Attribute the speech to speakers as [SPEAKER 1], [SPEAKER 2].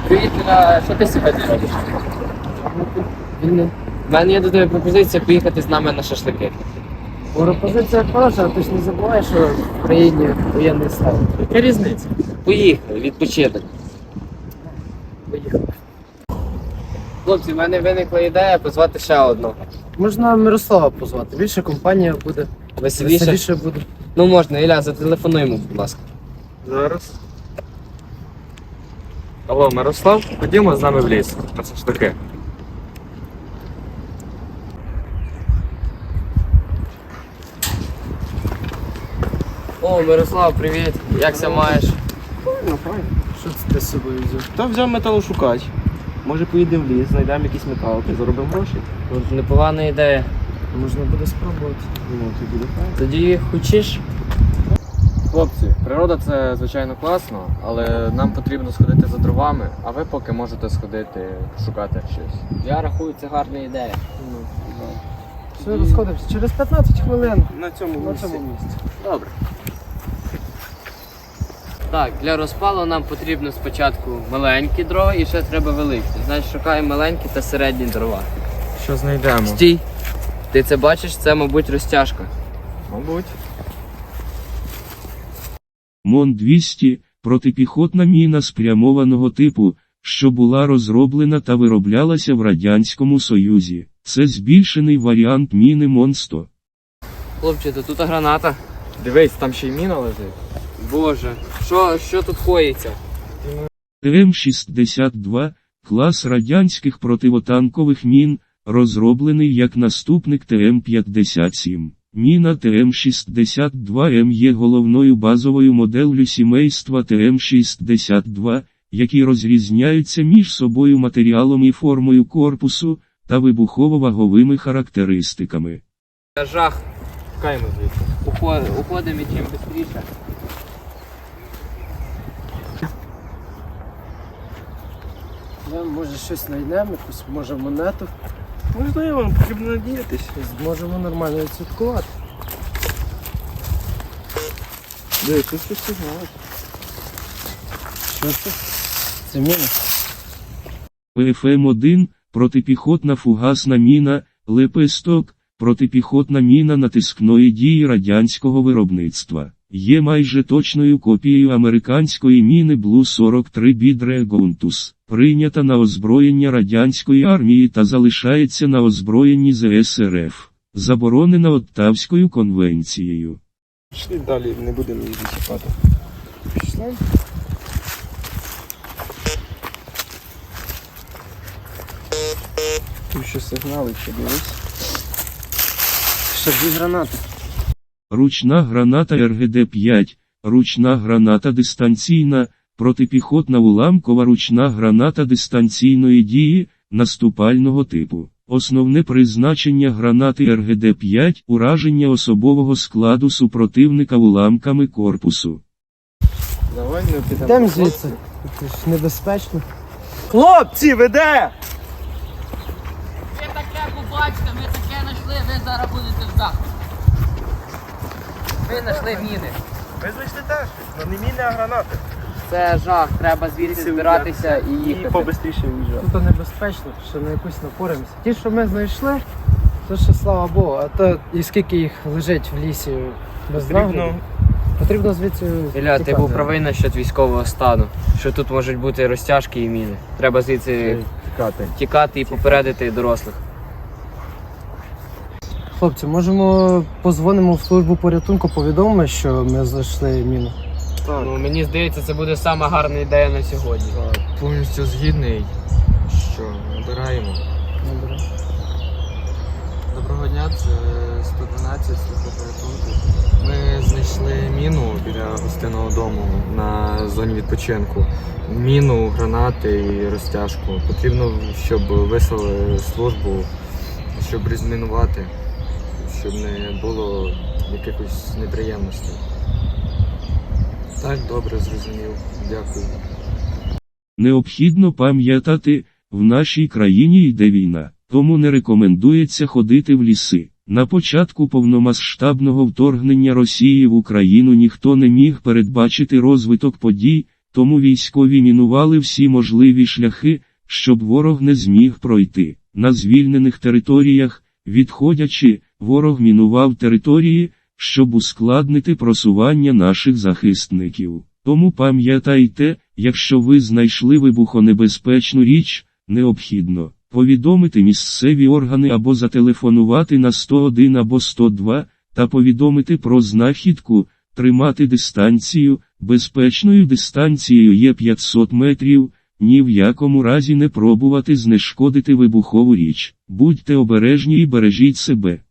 [SPEAKER 1] Привіт, Ля, що ти сьогодні робиш? У мене є до тебе пропозиція поїхати з нами на шашлики.
[SPEAKER 2] Пропозиція хороша, ти ж не забувай, що в країні воєнний стан. Яка різниця?
[SPEAKER 1] Поїхали, відпочинок.
[SPEAKER 2] Поїхали.
[SPEAKER 1] Хлопці, в мене виникла ідея позвати ще одного.
[SPEAKER 2] Можна Мирослава позвати, більше компанія буде,
[SPEAKER 1] Веселіше?
[SPEAKER 2] буде.
[SPEAKER 1] Ну можна, Ілля, зателефонуй йому, будь ласка.
[SPEAKER 3] Зараз. Алло, Мирослав, ходімо з нами в ліс. На шашлики.
[SPEAKER 1] О, Мирослав, привіт. Як ся маєш?
[SPEAKER 2] Що це ти з собою взяв?
[SPEAKER 3] Та взяв металошукач. Може поїдемо в ліс, знайдемо якісь металки, заробимо гроші.
[SPEAKER 1] От непогана ідея.
[SPEAKER 2] Можна буде спробувати.
[SPEAKER 3] Ну, це буде файно.
[SPEAKER 1] Тоді хочеш?
[SPEAKER 3] Хлопці, природа це звичайно класно, але нам потрібно сходити за дровами, а ви поки можете сходити шукати щось.
[SPEAKER 1] Я рахую, це гарна ідея.
[SPEAKER 2] Все, розходимося. Через 15 хвилин
[SPEAKER 3] На цьому
[SPEAKER 2] на цьому місці.
[SPEAKER 3] Добре.
[SPEAKER 1] Так, для розпалу нам потрібно спочатку маленькі дрова і ще треба великі. Значить, шукаємо маленькі та середні дрова.
[SPEAKER 3] Що знайдемо?
[SPEAKER 1] Стій! Ти це бачиш? Це, мабуть, розтяжка.
[SPEAKER 3] Мабуть.
[SPEAKER 4] МОН-200 – протипіхотна міна спрямованого типу, що була розроблена та вироблялася в Радянському Союзі. Це збільшений варіант міни МОН-100.
[SPEAKER 1] Хлопче, то тут граната.
[SPEAKER 3] Дивись, там ще й міна лежить.
[SPEAKER 1] Боже, що тут коїться?
[SPEAKER 4] ТМ-62 – клас радянських противотанкових мін, розроблений як наступник ТМ-57. Міна ТМ-62М є головною базовою моделлю сімейства ТМ-62, які розрізняються між собою матеріалом і формою корпусу та вибухово-ваговими характеристиками.
[SPEAKER 1] Жах.
[SPEAKER 3] Тікаємо звідси.
[SPEAKER 1] Уходимо чим швидше.
[SPEAKER 2] Може щось знайдемо, якусь може монету.
[SPEAKER 3] Можливо, потрібно надіятись.
[SPEAKER 2] Зможемо нормально відсвяткувати.
[SPEAKER 3] Дивись, тут щось сигнал.
[SPEAKER 2] Що це? Це міна.
[SPEAKER 4] ПФМ-1 – протипіхотна фугасна міна, Лепесток – протипіхотна міна натискної дії радянського виробництва. Є майже точною копією американської міни Блу-43 Бідрегонтус, прийнята на озброєння радянської армії та залишається на озброєнні ЗСРФ, заборонена Оттавською конвенцією.
[SPEAKER 3] Пішли далі, не будемо її зачіпати.
[SPEAKER 2] Пішли.
[SPEAKER 3] Тут ще сигнали, ще дивись.
[SPEAKER 2] Ще дві гранати.
[SPEAKER 4] Ручна граната РГД-5, ручна граната дистанційна, протипіхотна уламкова ручна граната дистанційної дії, наступального типу. Основне призначення гранати РГД-5 – ураження особового складу супротивника уламками корпусу.
[SPEAKER 3] Давай ми підемо.
[SPEAKER 2] Йдемо звідси. Це ж небезпечно.
[SPEAKER 3] Хлопці, веде!
[SPEAKER 5] Ви таке побачите, ми таке знайшли, ви зараз будете в захваті.
[SPEAKER 1] Ми знайшли міни.
[SPEAKER 3] Ви знайшли теж, але не міни, а гранати.
[SPEAKER 1] Це жах, треба звідси збиратися і
[SPEAKER 3] І
[SPEAKER 1] їхати.
[SPEAKER 3] побистріше виїжджати.
[SPEAKER 2] Тут небезпечно, що на якусь напоримося. Ті, що ми знайшли, то ще слава Богу, а то і скільки їх лежить в лісі без нагляду. Потрібно звідси.
[SPEAKER 1] Ілля, ти
[SPEAKER 2] тікати.
[SPEAKER 1] був правий насчет військового стану, що тут можуть бути розтяжки і міни. Треба звідси
[SPEAKER 3] Тікати.
[SPEAKER 1] тікати і попередити дорослих.
[SPEAKER 2] Хлопці, можемо позвонимо в службу порятунку, повідомимо, що ми знайшли міну.
[SPEAKER 3] Так.
[SPEAKER 1] Ну, мені здається, це буде сама гарна ідея на сьогодні.
[SPEAKER 3] Повністю згідний. Що, набираємо.
[SPEAKER 2] Добре.
[SPEAKER 3] Доброго дня, це 112 служба порятунку. Ми знайшли міну біля гостинного дому на зоні відпочинку. Міну, гранати і розтяжку. Потрібно, щоб вислали службу, щоб розмінувати, щоб не було якихось неприємностей. Так, добре, зрозумів. Дякую.
[SPEAKER 4] Необхідно пам'ятати, в нашій країні йде війна, тому не рекомендується ходити в ліси. На початку повномасштабного вторгнення Росії в Україну ніхто не міг передбачити розвиток подій, тому військові мінували всі можливі шляхи, щоб ворог не зміг пройти. На звільнених територіях, відходячи, ворог мінував території, щоб ускладнити просування наших захисників. Тому пам'ятайте, якщо ви знайшли вибухонебезпечну річ, необхідно повідомити місцеві органи або зателефонувати на 101 або 102, та повідомити про знахідку, тримати дистанцію, безпечною дистанцією є 500 метрів, ні в якому разі не пробувати знешкодити вибухову річ. Будьте обережні і бережіть себе.